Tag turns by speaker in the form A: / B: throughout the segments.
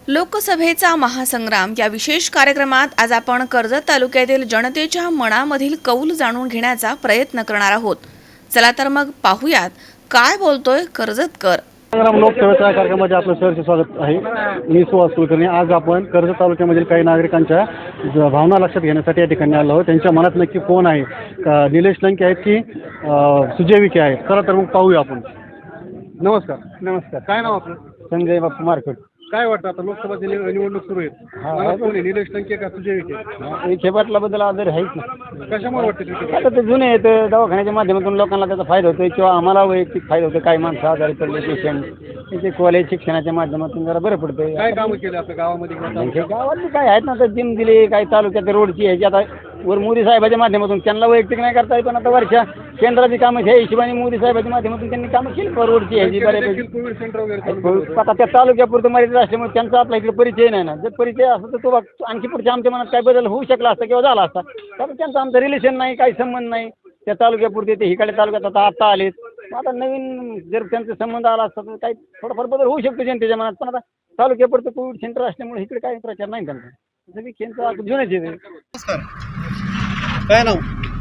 A: लोकसभेचा महासंग्राम या विशेष कार्यक्रमात आज आपण कर्जत तालुक्यातील जनतेच्या मनामधील कौल जाणून घेण्याचा प्रयत्न करणार आहोत। चला तर मग पाहूयात काय बोलतोय कर्जतकर।
B: संग्राम लोकसभेच्या कार्यक्रमामध्ये आपलं सहर्ष स्वागत आहे। मी सुहास कुलकर्णी। आज आपण कर्जत तालुक्यामधील काही नागरिकांच्या भावना लक्षात घेण्यासाठी या ठिकाणी आलो आहोत। त्यांच्या मनात नक्की कोण आहे, निलेश लंके आहेत की सुजय विखे आहेत? चला तर मग पाहूया आपण। नमस्कार।
C: नमस्कार।
B: काय नाव आपलं?
C: संजय बापू मार्केट।
B: काय वाटतं आता लोकसभेची निवडणूक सुरू आहे, मनात कोण आहे, निलेश लंके का सुजय विखे?
C: विखे पाटलाबद्दल आदर आहेच ना।
B: कशामुळे वाटतं?
C: आता ते जुने आहेत, दवाखान्याच्या माध्यमातून लोकांना त्याचा फायदा होतोय किंवा आम्हाला वैयक्तिक फायदा होतो। काही माणसं आजारी पडले, पेशंट, त्याचे कॉलेज शिक्षणाच्या माध्यमातून जरा बरं पडतंय।
B: काय कामं केले आपल्या गावामध्ये?
C: गावातली काय आहेत ना, आता जिम दिली, काही तालुक्यात रोडची ह्याची आता वर मोदी साहेबाच्या माध्यमातून त्यांना वैयक्तिक नाही करता येत, पण आता वर्षा केंद्राची कामं ह्या हिशोबाने मोदी साहेबाच्या माध्यमातून त्यांनी कामं केली रोडची ह्याची बऱ्यापैकी।
B: कोविड सेंटर वगैरे
C: आता त्या तालुक्यापुरतं मर्यादित असल्यामुळे त्यांचा आपला इकडे परिचय नाही ना। जर परिचय असता तर तो आणखी पुढच्या आमच्या मनात काय बदल होऊ शकला असता किंवा झाला असता, कारण त्यांचा आमचा रिलेशन नाही, काही संबंध नाही। त्या तालुक्यापुरते ते हिकडे तालुक्यात आता आलेत, आता नवीन जर त्यांचा संबंध आला असता तर काही थोडाफार बदल होऊ शकतो जनतेच्या मनात। पण आता तालुक्यापुरतं कोविड सेंटर असल्यामुळे इकडे काही प्रचार नाही त्यांचा। विखेंचा जुनेच आहे।
B: नमस्कार। काय नाव?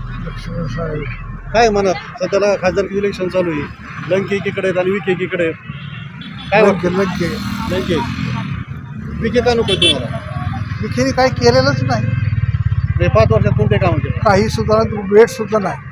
B: काय मनात सध्याला खासदारकी इलेक्शन चालू आहे, लंके एकीकडे आहेत आणि विखे एकीकडे आहेत. काय वाटतं? लंके विखे का नको तुम्हाला?
D: विखेने काही केलेलंच नाही,
B: हे 5 वर्षात कोणते काम केले?
D: काही सुद्धा वेट सुद्धा नाही।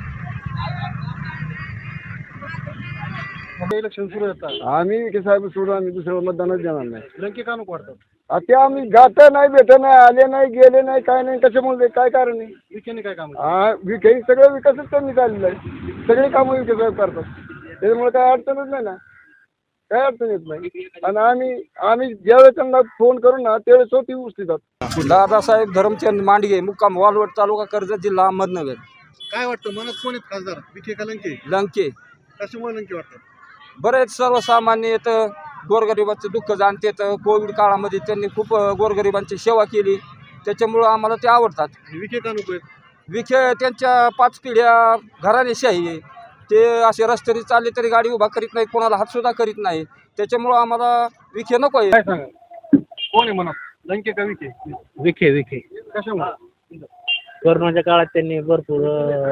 B: इलेक्शन सुरू होतात,
E: आम्ही विखे साहेब सोडून आम्ही दुसऱ्यावर मतदानच देणार नाही।
B: लंके का नको वाटतात?
E: ते आम्ही जात नाही, भेट नाही, आले नाही, गेले नाही, काय नाही, कशामुळे काय कारण नाही।
B: विखेने काय काम?
E: विखे सगळं विकासच त्यांनी चाललेलं आहे, सगळी कामं विखे साहेब करतात, त्याच्यामुळे काय अडचणच नाही ना, काय अडचण येत नाही। आणि आम्ही ज्यावेळेस त्यांना फोन करू ना त्यावेळेस स्वतः उचलतात।
F: दादासाहेब धरमचंद मांडगे, मुक्काम वालवड, तालुका कर्जत, जिल्हा अहमदनगर।
B: काय वाटतं मनात कोण आहेत खासदार, विखे का लंके?
F: लंके
B: कशामुळे लंके वाटतात?
F: बरेच सर्वसामान्य आहेत, गोरगरिबाचं दुःख जाणतात। कोविड काळामध्ये त्यांनी खूप गोरगरिबांची सेवा केली, त्याच्यामुळं आम्हाला ते आवडतात।
B: विखे का नको आहेत?
F: विखे त्यांच्या 5 पिढ्या घराणेशाही आहे, ते असे रस्त्याने चालले तरी गाडी उभा करीत नाही, कोणाला हातसुद्धा करीत नाही, त्याच्यामुळं आम्हाला विखे नको आहे।
B: काय सांगा, कोण आहे मनात, लंके का विखे?
G: विखे
B: कशामुळे?
G: कोरोनाच्या काळात त्यांनी भरपूर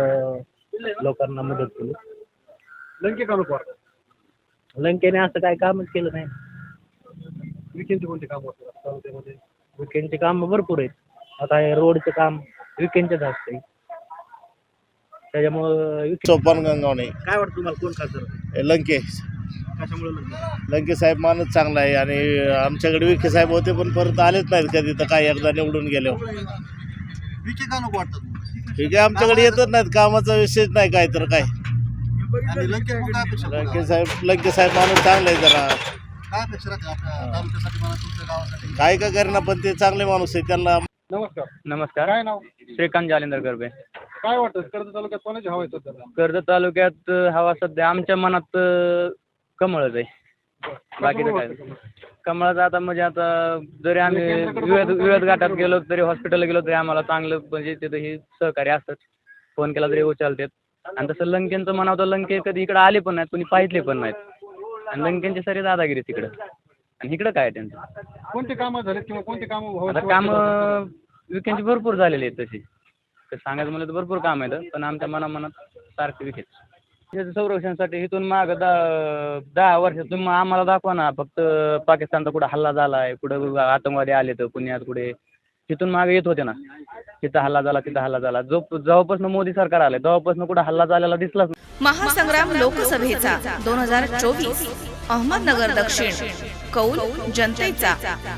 G: लोकांना मदत केली।
B: लंके का नको वाटतात?
G: लंकेने असं काय कामच केलं नाही।
B: विखेंचे कोणते काम होतात तालुक्यामध्ये?
G: विकेंडचे काम भरपूर आहेत। आता हे रोडचं काम विकेंडचंच असते, त्याच्यामुळं
H: सोपान गंगावणे।
B: काय वाटतं तुम्हाला कोण खासदार?
H: लंके
B: कशामुळे लंके?
H: लंके साहेब माणूस चांगला आहे आणि आमच्याकडे विखे साहेब होते पण परत आलेच नाहीत कधी, तर काय एकदा निवडून गेले।
B: विखे का नको वाटतात?
H: ठीक आहे, आमच्याकडे येतच नाहीत, कामाचा विषयच नाही काय तर काय।
B: आणि लंके काय अपेक्षा?
H: लंके साहेब माणूस चांगला आहे, जरा
B: काय अपेक्षा राहते आपल्या तालुक्यासाठी, मला तुमच्या गावासाठी?
H: काय का करेना पण ते चांगले माणूस आहे, त्यांना।
B: नमस्कार।
G: नमस्कार।
B: काय नाव?
G: श्रीकांत जालिंदर गरबे।
B: काय वाटतं कर्जत तालुक्यात कोणाची हवा आहे सध्या?
G: कर्जत तालुक्यात हवा सध्या आमच्या मनात कमळच आहे, बाकीचं काय कमळाचं। आता म्हणजे आता जरी आम्ही विविध घाटात गेलो तरी, हॉस्पिटलला गेलो तरी आम्हाला चांगलं म्हणजे तिथं ही सहकार्य असतात, फोन केला तरी उचलतात। आणि तसं लंकेंचं म्हणावं तर लंके कधी इकडं आले पण नाहीत, कोणी पाहितले पण नाहीत, आणि लंकेंची सारी दादागिरी तिकडं, आणि इकडं काय त्यांचं?
B: कोणते कामं झाले किंवा कोणते कामं?
G: आता कामं विकेंडची भरपूर झालेली आहेत, तशी सांगायचं म्हणलं तर भरपूर काम आहेत, पण आमच्या मनात सारखे विकेच। त्याचं संरक्षणासाठी इथून मागं 10 वर्षात तुम्ही आम्हाला दाखवा ना, फक्त पाकिस्तानचा कुठं हल्ला झाला आहे, कुठं आतंकवादी आले तर पुण्यात, कुठे तिथून मागे येत होते ना, तिथं हल्ला झाला, तिथं हल्ला झाला। जेव्हापासून मोदी सरकार आले तेव्हापासून कुठं हल्ला झालेला दिसलाच।
A: महासंग्राम लोकसभेचा 2024 अहमदनगर दक्षिण, कौल जनतेचा।